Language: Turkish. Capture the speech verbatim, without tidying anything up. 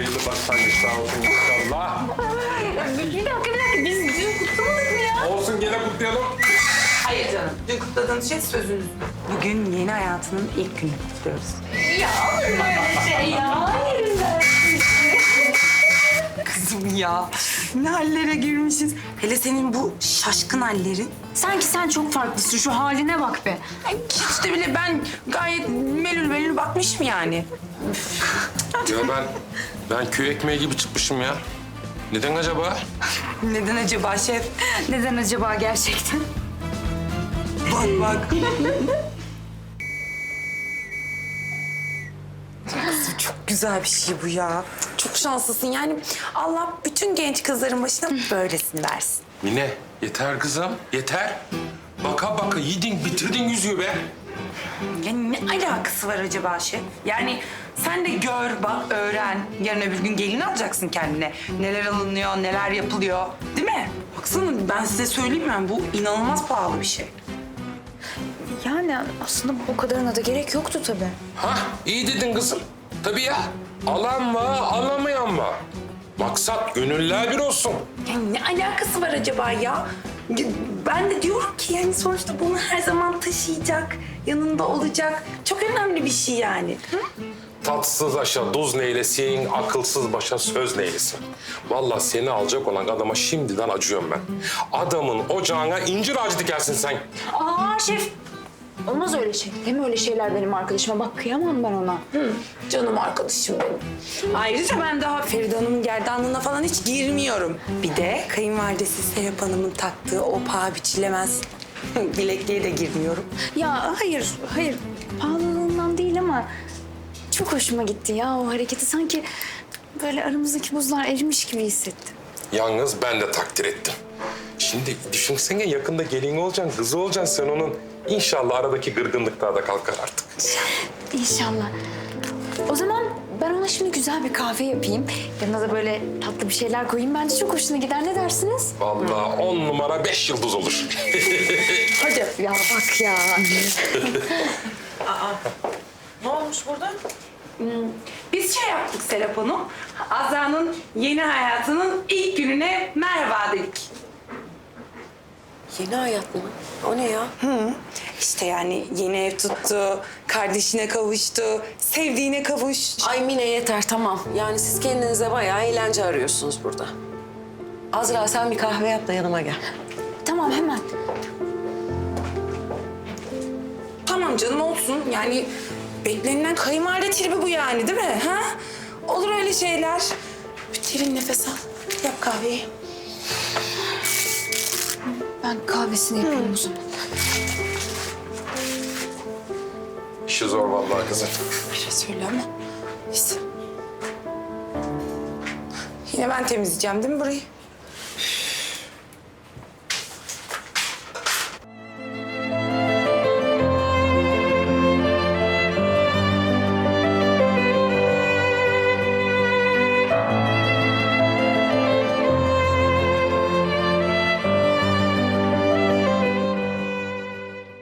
hayırlı başlangıçlar olsun inşallah. Bir dakika, bir dakika. Biz dün kutlamadık mı ya? Olsun gene kutlayalım. Hayır canım. Dün kutladığınız şey sözünüz. Bugün yeni hayatının ilk gününü kutluyoruz. Ya olur mu öyle şey ya? Yerinden. Kızım ya. Ne hallere girmişiz. Hele senin bu şaşkın hallerin. Sanki sen çok farklısın. Şu haline bak be. Ay, hiç de bile ben gayet melül melül bakmışım yani. Ya ben, ben köy ekmeği gibi çıkmışım ya. Neden acaba? Neden acaba şef? Neden acaba gerçekten? Bak bak. Kızım çok güzel bir şey bu ya. Çok şanslısın yani. Allah bütün genç kızların başına böylesini versin. Mine yeter kızım yeter. Baka baka yedin bitirdin yüzüğü be. Ya ne alakası var acaba şef? Yani sen de gör, bak, öğren. Yarın öbür gün gelin alacaksın kendine. Neler alınıyor, neler yapılıyor. Değil mi? Baksana ben size söyleyeyim mi? Bu inanılmaz pahalı bir şey. Yani aslında bu kadarına da gerek yoktu tabii. Hah iyi dedin kızım. Tabii ya. Alan var alamayan var. Maksat gönüller bir olsun. Ya ne alakası var acaba ya? Ya ben de diyorum ki yani sonuçta bunu her zaman taşıyacak, yanında olacak. Çok önemli bir şey yani. Hı? Tatsız aşa duz neylesin, akılsız başa söz neylesin. Vallahi seni alacak olan adama şimdiden acıyorum ben. Adamın ocağına incir ağacı dikersin sen. Aa şef. Olmaz öyle şey. Deme öyle şeyler benim arkadaşıma. Bak kıyamam ben ona. Hı, canım arkadaşım benim. Ayrıca ben daha Feride Hanım'ın gerdanlığına falan hiç girmiyorum. Bir de kayınvalidesi Serap Hanım'ın taktığı o paha biçilemez bilekliğe de girmiyorum. Ya hayır, hayır. Pahalılığından değil ama çok hoşuma gitti ya o hareketi. Sanki böyle aramızdaki buzlar erimiş gibi hissettim. Yalnız ben de takdir ettim. Şimdi düşünsene yakında gelin olacaksın, kızı olacaksın sen onun. İnşallah aradaki gırgınlıklar da kalkar artık. İnşallah. O zaman ben ona şimdi güzel bir kahve yapayım. Yanına da böyle tatlı bir şeyler koyayım. Bence çok hoşuna gider. Ne dersiniz? Vallahi on numara beş yıldız olur. Hadi. Ya bak ya. Ne olmuş burada? Biz şey yaptık Serap Hanım. Azra'nın yeni hayatının ilk gününe merhaba dedik. Yeni hayat mı? O ne ya? Hı. İşte yani yeni ev tuttu, kardeşine kavuştu, sevdiğine kavuş. Ay Mine yeter tamam. Yani siz kendinize bayağı eğlence arıyorsunuz burada. Azra sen bir kahve yap da yanıma gel. Tamam hemen. Tamam canım olsun. Yani beklenilen kayınvalide tribi bu yani değil mi? Ha? Olur öyle şeyler. Bir derin nefes al. Yap kahveyi. Ben kahvesini yapayım o zaman. İşi zor vallahi kızım. Bir şey söyle ama. Neyse. Yine ben temizleyeceğim değil mi burayı?